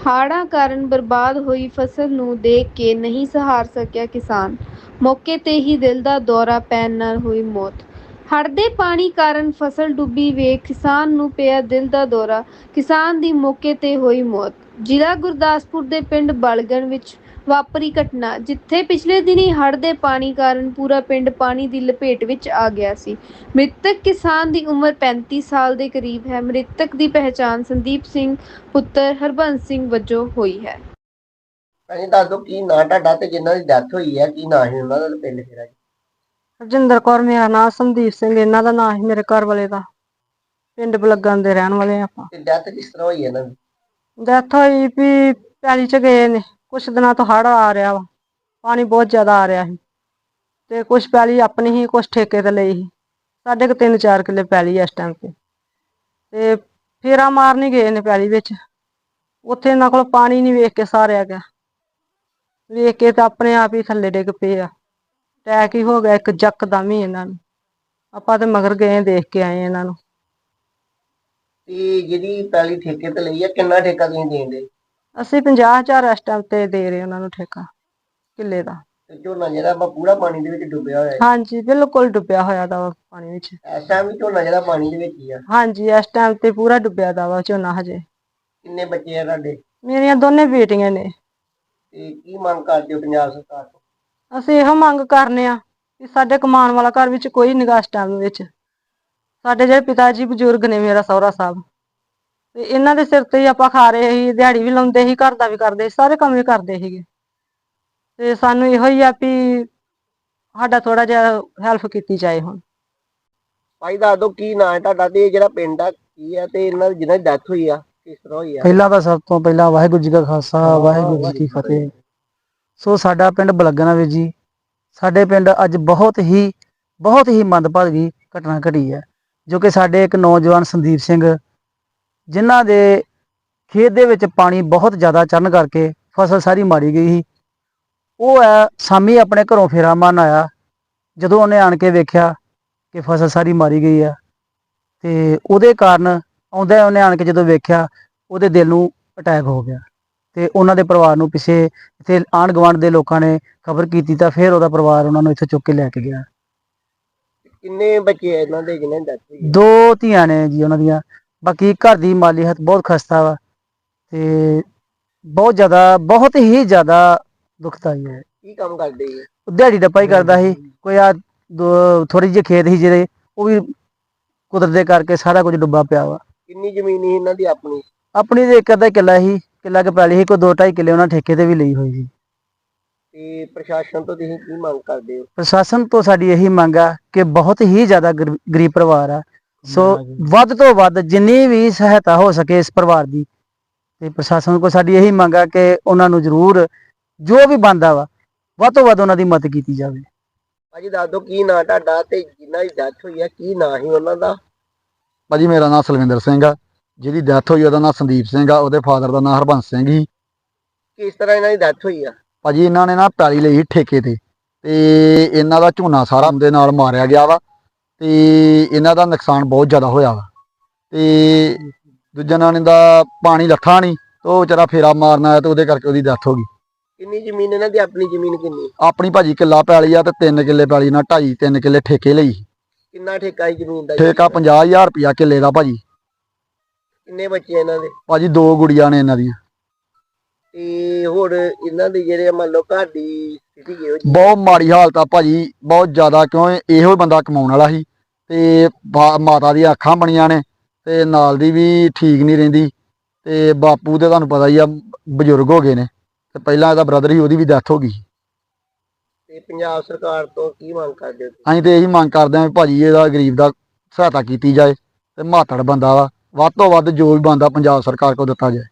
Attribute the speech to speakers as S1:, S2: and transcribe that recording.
S1: ਹਾੜ੍ਹਾਂ ਕਾਰਨ ਬਰਬਾਦ ਹੋਈ ਫਸਲ ਨੂੰ ਦੇਖ ਕੇ ਨਹੀਂ ਸਹਾਰ ਸਕਿਆ ਕਿਸਾਨ। ਮੌਕੇ ਤੇ ਹੀ ਦਿਲ ਦਾ ਦੌਰਾ ਪੈਣ ਨਾਲ ਹੋਈ ਮੌਤ। ਹੜ੍ਹ ਦੇ ਪਾਣੀ ਕਾਰਨ ਫਸਲ ਡੁੱਬੀ ਵੇਖ ਕਿਸਾਨ ਨੂੰ ਪਿਆ ਦਿਲ ਦਾ ਦੌਰਾ। ਕਿਸਾਨ ਦੀ ਮੌਕੇ ਤੇ ਹੋਈ ਮੌਤ। ਜ਼ਿਲ੍ਹਾ ਗੁਰਦਾਸਪੁਰ ਦੇ ਪਿੰਡ ਬਲਗਣ ਵਿੱਚ ਵਾਪਰੀ ਘਟਨਾ, ਜਿੱਥੇ ਪਿਛਲੇ ਦਿਨੀ ਹੜ੍ਹ ਦੇ ਪਾਣੀ ਕਾਰਨ ਪੂਰਾ ਪਿੰਡ ਪਾਣੀ ਦੀ ਲਪੇਟ ਵਿੱਚ ਆ ਗਿਆ ਸੀ। ਮ੍ਰਿਤਕ ਕਿਸਾਨ ਦੀ ਉਮਰ 35 ਸਾਲ ਦੇ ਕਰੀਬ ਹੈ। ਮ੍ਰਿਤਕ ਦੀ ਪਹਿਚਾਣ ਸੰਦੀਪ ਸਿੰਘ ਪੁੱਤਰ ਹਰਬੰਸ ਸਿੰਘ ਵਜੋਂ ਹੋਈ ਹੈ।
S2: ਅਸੀਂ ਦੱਸ ਦਿਓ ਕੀ ਨਾਂ ਤੁਹਾਡਾ ਤੇ ਜਿਨ੍ਹਾਂ ਦੀ ਡੈਥ ਹੋਈ ਹੈ ਕੀ ਨਾਂ ਸੀ ਉਹਨਾਂ ਦਾ ਪਿੰਡ ਕਿਹੜਾ ਜੀ?
S3: ਹਰਜਿੰਦਰ ਕੌਰ ਮੇਰਾ ਨਾਂ, ਸੰਦੀਪ ਸਿੰਘ ਇਹਨਾਂ ਦਾ ਨਾਂ ਸੀ, ਮੇਰੇ ਘਰ ਵਾਲੇ ਦਾ। ਪਿੰਡ ਬਲੱਗਣ ਦੇ ਰਹਿਣ ਵਾਲੇ ਆਪਾਂ।
S2: ਤੇ ਡੈਥ ਕਿਸ ਤਰ੍ਹਾਂ ਹੋਈ ਇਹਨਾਂ ਦੀ?
S3: ਡੈਥ ਹੋਈ ਵੀ ਪੈਲੀ ਚ ਗਏ ਨੇ, ਕੁਛ ਦਿਨਾਂ ਤੋਂ ਹੜ੍ਹ ਆ ਰਿਹਾ ਵਾ, ਪਾਣੀ ਬਹੁਤ ਜ਼ਿਆਦਾ ਆ ਰਿਹਾ ਸੀ ਤੇ ਕੁਛ ਪੈਲੀ ਆਪਣੀ ਹੀ, ਕੁਛ ਠੇਕੇ ਤੇ ਲਈ ਸੀ। ਸਾਡੇ ਕੋਲ 3-4 ਕਿੱਲੇ ਪੈਲੀ ਇਸ ਟਾਈਮ ਤੇ ਫੇਰਾ ਮਾਰਨ ਹੀ ਗਏ ਨੇ ਪੈਲੀ ਵਿੱਚ। ਉੱਥੇ ਇਹਨਾਂ ਕੋਲ ਪਾਣੀ ਨਹੀਂ ਵੇਖ ਕੇ ਸਹਾਰਿਆ ਗਿਆ, ਵੇਖ ਕੇ ਤਾਂ ਆਪਣੇ ਆਪ ਹੀ ਥੱਲੇ ਡਿੱਗ ਪਏ ਆ। ਅਟੈਕ ਹੀ ਹੋ ਗਿਆ ਇੱਕ ਯਕਦਮ ਹੀ ਇਹਨਾਂ ਨੂੰ। ਆਪਾਂ ਤੇ ਮਗਰ ਗਏ, ਦੇਖ ਕੇ ਆਏ ਇਹਨਾਂ ਨੂੰ।
S2: ਤੇ ਜਿਹੜੀ ਪੈਲੀ ਠੇਕੇ ਤੇ ਲਈ ਆ, ਕਿੰਨਾ ਠੇਕਾ ਤੁਸੀਂ ਦੇਂਦੇ?
S3: ਅਸੀਂ 50,000 ਇਸ ਟਾਈਮ ਤੇ ਦੇ ਰਹੇ ਉਹਨਾਂ ਨੂੰ ਠੇਕਾ ਕਿੱਲੇ ਦਾ।
S2: ਤੇ ਝੋਨਾ ਜਿਹੜਾ ਆਪਾਂ ਪੂਰਾ ਪਾਣੀ ਦੇ ਵਿੱਚ ਡੁੱਬਿਆ ਹੋਇਆ ਹੈ?
S3: ਹਾਂਜੀ, ਬਿਲਕੁਲ ਡੁੱਬਿਆ ਹੋਇਆ ਦਾ ਵਾ ਪਾਣੀ ਵਿੱਚ।
S2: ਇਸ ਟਾਈਮ ਵੀ ਝੋਨਾ ਜਿਹੜਾ ਪਾਣੀ ਦੇ ਵਿੱਚ ਹੀ ਆ?
S3: ਹਾਂਜੀ, ਇਸ ਟਾਈਮ ਤੇ ਪੂਰਾ ਡੁੱਬਿਆ ਦਾ ਵਾ ਝੋਨਾ ਹਜੇ।
S2: ਕਿੰਨੇ ਬੱਚੇ ਆ ਤੁਹਾਡੇ?
S3: ਮੇਰੀਆਂ ਦੋਨੇ ਬੇਟੀਆਂ ਨੇ।
S2: ਤੇ ਕੀ ਮੰਗ ਕਰਦੇ ਹੋ ਪੰਜਾਬ ਸਰਕਾਰ ਤੋਂ?
S3: ਅਸੀਂ ਇਹੋ ਮੰਗ ਕਰਨੇ ਆ ਕਿ ਸਾਡੇ ਕਮਾਉਣ ਵਾਲਾ ਘਰ ਵਿੱਚ ਕੋਈ ਨਿਗਾਹ ਇਸ ਟਾਈਮ ਵਿੱਚ। ਸਾਡੇ ਜਿਹੜੇ ਪਿਤਾ ਜੀ ਬਜ਼ੁਰਗ ਨੇ, ਮੇਰਾ ਸਹੁਰਾ ਸਾਹਿਬ, ਤੇ ਇਹਨਾਂ ਦੇ ਸਿਰ ਤੇ ਹੀ ਆਪਾਂ ਖਾ ਰਹੇ ਸੀ। ਦਿਹਾੜੀ ਵੀ ਲਾਉਂਦੇ ਸੀ, ਘਰ ਦਾ ਵੀ ਕਰਦੇ ਸੀ, ਸਾਰੇ ਕੰਮ ਵੀ ਕਰਦੇ ਸੀਗੇ। ਤੇ ਸਾਨੂੰ ਇਹੋ ਹੀ ਆ ਵੀ ਸਾਡਾ ਥੋੜਾ ਜਿਹਾ ਹੈਲਪ ਕੀਤੀ ਜਾਏ ਹੁਣ।
S2: ਭਾਈ ਦੱਸ ਦਿਓ ਕੀ ਨਾਂ ਹੈ ਤੁਹਾਡਾ ਤੇ ਜਿਹੜਾ ਪਿੰਡ ਆ ਕੀ ਆ, ਤੇ ਇਹਨਾਂ ਦੀ ਜਿਹਨਾਂ ਦੀ ਡੈਥ ਹੋਈ ਆ ਕਿਸ ਤਰ੍ਹਾਂ ਹੋਈ ਆ?
S4: ਪਹਿਲਾਂ ਤਾਂ ਸਭ ਤੋਂ ਪਹਿਲਾਂ ਵਾਹਿਗੁਰੂ ਜੀ ਕਾ ਖਾਲਸਾ, ਵਾਹਿਗੁਰੂ ਜੀ ਕੀ ਫਤਿਹ। ਸੋ ਸਾਡਾ ਪਿੰਡ ਬਲੱਗਣਾ ਵੀਰ ਜੀ, ਸਾਡੇ ਪਿੰਡ ਅੱਜ ਬਹੁਤ ਹੀ ਮੰਦਭਾਗੀ ਘਟਨਾ ਘਟੀ ਹੈ, ਜੋ ਕਿ ਸਾਡੇ ਇੱਕ ਨੌਜਵਾਨ ਸੰਦੀਪ ਸਿੰਘ, ਜਿਨ੍ਹਾਂ ਦੇ ਖੇਤ ਦੇ ਵਿੱਚ ਪਾਣੀ ਬਹੁਤ ਜ਼ਿਆਦਾ ਚੜ੍ਹਨ ਕਰਕੇ ਫਸਲ ਸਾਰੀ ਮਾਰੀ ਗਈ ਸੀ। ਉਹ ਹੈ ਸ਼ਾਮੀ ਆਪਣੇ ਘਰੋਂ ਫੇਰਾ ਮਾਰਨ ਆਇਆ। ਜਦੋਂ ਉਹਨੇ ਆਣ ਕੇ ਵੇਖਿਆ ਕਿ ਫਸਲ ਸਾਰੀ ਮਾਰੀ ਗਈ ਆ, ਤੇ ਉਹਦੇ ਕਾਰਨ ਆਉਂਦਾ ਉਹਨੇ ਆਣ ਕੇ ਜਦੋਂ ਵੇਖਿਆ, ਉਹਦੇ ਦਿਲ ਨੂੰ ਅਟੈਕ ਹੋ ਗਿਆ। ਤੇ ਉਹਨਾਂ ਦੇ ਪਰਿਵਾਰ ਨੂੰ ਪਿੱਛੇ ਇੱਥੇ ਆਂਢ ਗੁਆਂਢ ਦੇ ਲੋਕਾਂ ਨੇ ਖਬਰ ਕੀਤੀ, ਤਾਂ ਫਿਰ ਉਹਦਾ ਪਰਿਵਾਰ ਉਹਨਾਂ ਨੂੰ ਇੱਥੇ ਚੁੱਕ ਕੇ ਲੈ ਕੇ ਗਿਆ।
S2: ਕਿੰਨੇ ਬੱਚੇ ਆ ਇਹਨਾਂ ਦੇ ਜਿਹਨਾਂ ਦੀ ਡੈਥ ਹੋਈ ਆ?
S4: 2 ਧੀਆਂ ਨੇ ਜੀ ਉਹਨਾਂ ਦੀਆਂ। ਬਾਕੀ ਘਰ ਦੀ ਮਾਲੀ ਹਾਲਤ ਬਹੁਤ ਖਸਤਾ ਵਾ ਤੇ ਬਹੁਤ ਹੀ ਜ਼ਿਆਦਾ ਦੁਖਦਾਈ ਹੈ।
S2: ਕੀ ਕੰਮ ਕਰਦੇ ਜੀ?
S4: ਦਿਹਾੜੀ ਡੱਪਾ ਹੀ ਕਰਦਾ ਸੀ। ਕੋਈ ਆ ਥੋੜੀ ਜਿਹੀ ਖੇਤ ਸੀ ਜਿਹੜੇ, ਉਹ ਵੀ ਕੁਦਰਤ ਦੇ ਕਰਕੇ ਸਾਰਾ ਕੁਝ ਡੁੱਬਾ ਪਿਆ ਵਾ।
S2: ਕਿੰਨੀ ਜ਼ਮੀਨ ਸੀ ਇਹਨਾਂ ਦੀ ਆਪਣੀ?
S4: ਆਪਣੀ ਤੇ ਇੱਕ ਅੱਧਾ ਕਿੱਲਾ ਸੀ, ਕਿੱਲਾ ਕੁ ਪੈਲੀ ਸੀ, ਕੋਈ 2-2.5 ਕਿੱਲੇ ਉਹਨਾਂ ਠੇਕੇ ਤੇ ਵੀ ਲਈ ਹੋਈ ਸੀ।
S2: ਤੇ ਪ੍ਰਸ਼ਾਸਨ ਤੋਂ ਤੁਸੀਂ ਕੀ ਮੰਗ ਕਰਦੇ ਹੋ?
S4: ਪ੍ਰਸ਼ਾਸਨ ਤੋਂ ਸਾਡੀ ਇਹੀ ਮੰਗ ਆ ਕਿ ਬਹੁਤ ਹੀ ਜ਼ਿਆਦਾ ਗਰੀਬ ਪਰਿਵਾਰ ਆ, ਸੋ ਵੱਧ ਤੋਂ ਵੱਧ ਜਿੰਨੀ ਵੀ ਸਹਾਇਤਾ ਹੋ ਸਕੇ ਇਸ ਪਰਿਵਾਰ ਦੀ, ਤੇ ਪ੍ਰਸ਼ਾਸਨ ਕੋਲ ਸਾਡੀ ਇਹੀ ਮੰਗ ਆ ਕਿ ਉਹਨਾਂ ਨੂੰ ਜ਼ਰੂਰ ਜੋ ਵੀ ਬਣਦਾ ਵਾ, ਵੱਧ ਤੋਂ ਵੱਧ ਉਹਨਾਂ ਦੀ ਮਦਦ ਕੀਤੀ ਜਾਵੇ।
S2: ਭਾਜੀ ਦੱਸ ਦਿਓ ਕੀ ਨਾਂ ਤੁਹਾਡਾ ਤੇ ਜਿਨ੍ਹਾਂ ਦੀ ਡੈਥ ਹੋਈ ਆ ਕੀ ਨਾਂ ਸੀ ਉਹਨਾਂ ਦਾ?
S5: ਭਾਜੀ ਮੇਰਾ ਨਾਮ ਸਲਵਿੰਦਰ ਸਿੰਘ ਆ, ਜਿਹਦੀ ਡੈਥ ਹੋਈ ਉਹਦਾ ਨਾਮ ਸੰਦੀਪ ਸਿੰਘ ਆ, ਉਹਦੇ ਫਾਦਰ ਦਾ ਨਾਮ ਹਰਬੰਸ ਸਿੰਘ ਸੀ।
S2: ਕਿਸ ਤਰ੍ਹਾਂ ਇਹਨਾਂ ਦੀ ਡੈਥ ਹੋਈ ਆ?
S5: ਭਾਜੀ ਇਹਨਾਂ ਨੇ ਨਾ ਪੈਲੀ ਲਈ ਠੇਕੇ ਤੇ ਇਹਨਾਂ ਦਾ ਝੋਨਾ ਸਾਰਾ ਦੇ ਨਾਲ ਮਾਰਿਆ ਗਿਆ ਵਾ, ਤੇ ਇਹਨਾਂ ਦਾ ਨੁਕਸਾਨ ਬਹੁਤ ਜ਼ਿਆਦਾ ਹੋਇਆ ਵਾ। ਤੇ ਦੂਜਾ ਨਾਂ ਦਾ ਪਾਣੀ ਲੱਥਾ ਨਹੀਂ, ਉਹ ਵਿਚਾਰਾ ਫੇਰਾ ਮਾਰਨ ਆਇਆ ਤੇ ਉਹਦੇ ਕਰਕੇ ਉਹਦੀ ਡੈਥ ਹੋ ਗਈ।
S2: ਕਿੰਨੀ ਜ਼ਮੀਨ ਇਹਨਾਂ ਦੀ? ਆਪਣੀ ਜ਼ਮੀਨ ਕਿੰਨੀ?
S5: ਆਪਣੀ ਭਾਜੀ ਕਿੱਲਾ ਪੈਲੀ ਆ ਤੇ 3 ਕਿੱਲੇ ਪੈਲੀ ਨਾਲ 2.5-3 ਕਿੱਲੇ ਠੇਕੇ ਲਈ।
S2: ਕਿੰਨਾ ਠੇਕਾ ਹੈ ਜ਼ਮੀਨ ਦਾ?
S5: ਠੇਕਾ 50,000 ਰੁਪਇਆ ਕਿੱਲੇ ਦਾ ਭਾਜੀ।
S2: ਕਿੰਨੇ ਬੱਚੇ ਇਹਨਾਂ ਦੇ?
S5: ਭਾਜੀ 2 ਗੁੜੀਆਂ ਨੇ ਇਹਨਾਂ ਦੀਆਂ।
S2: ਤੇ ਹੋਰ ਇਹਨਾਂ ਦੇ ਜਿਹੜੇ ਮੰਨ ਲਓ ਘਰ ਦੀ ਸਥਿਤੀ ਕਿਹੋ ਜਿਹੀ?
S5: ਬਹੁਤ ਮਾੜੀ ਹਾਲਤ ਆ ਭਾਜੀ, ਬਹੁਤ ਜ਼ਿਆਦਾ, ਕਿਉਂ ਇਹੋ ਬੰਦਾ ਕਮਾਉਣ ਵਾਲਾ ਸੀ ਤੇ ਮਾਤਾ ਦੀਆਂ ਅੱਖਾਂ ਬਣੀਆਂ ਨੇ ਤੇ ਨਾਲ ਦੀ ਵੀ ਠੀਕ ਨਹੀਂ ਰਹਿੰਦੀ, ਤੇ ਬਾਪੂ ਤੇ ਤੁਹਾਨੂੰ ਪਤਾ ਹੀ ਆ ਬਜ਼ੁਰਗ ਹੋ ਗਏ ਨੇ, ਤੇ ਪਹਿਲਾਂ ਇਹਦਾ ਬ੍ਰਦਰ ਸੀ, ਉਹਦੀ ਵੀ ਡੈਥ ਹੋ ਗਈ।
S2: ਤੇ ਪੰਜਾਬ ਸਰਕਾਰ ਤੋਂ ਕੀ ਮੰਗ ਕਰਦੇ ਹੋ?
S5: ਅਸੀਂ ਤੇ ਇਹੀ ਮੰਗ ਕਰਦੇ ਹਾਂ ਵੀ ਭਾਜੀ ਇਹਦਾ ਗਰੀਬ ਦਾ ਸਹਾਇਤਾ ਕੀਤੀ ਜਾਏ, ਤੇ ਮਾਤੜ ਬੰਦਾ ਵਾ, ਵੱਧ ਤੋਂ ਵੱਧ ਜੋ ਵੀ ਬੰਦਾ ਪੰਜਾਬ ਸਰਕਾਰ ਕੋਲ ਦਿੱਤਾ ਜਾਏ।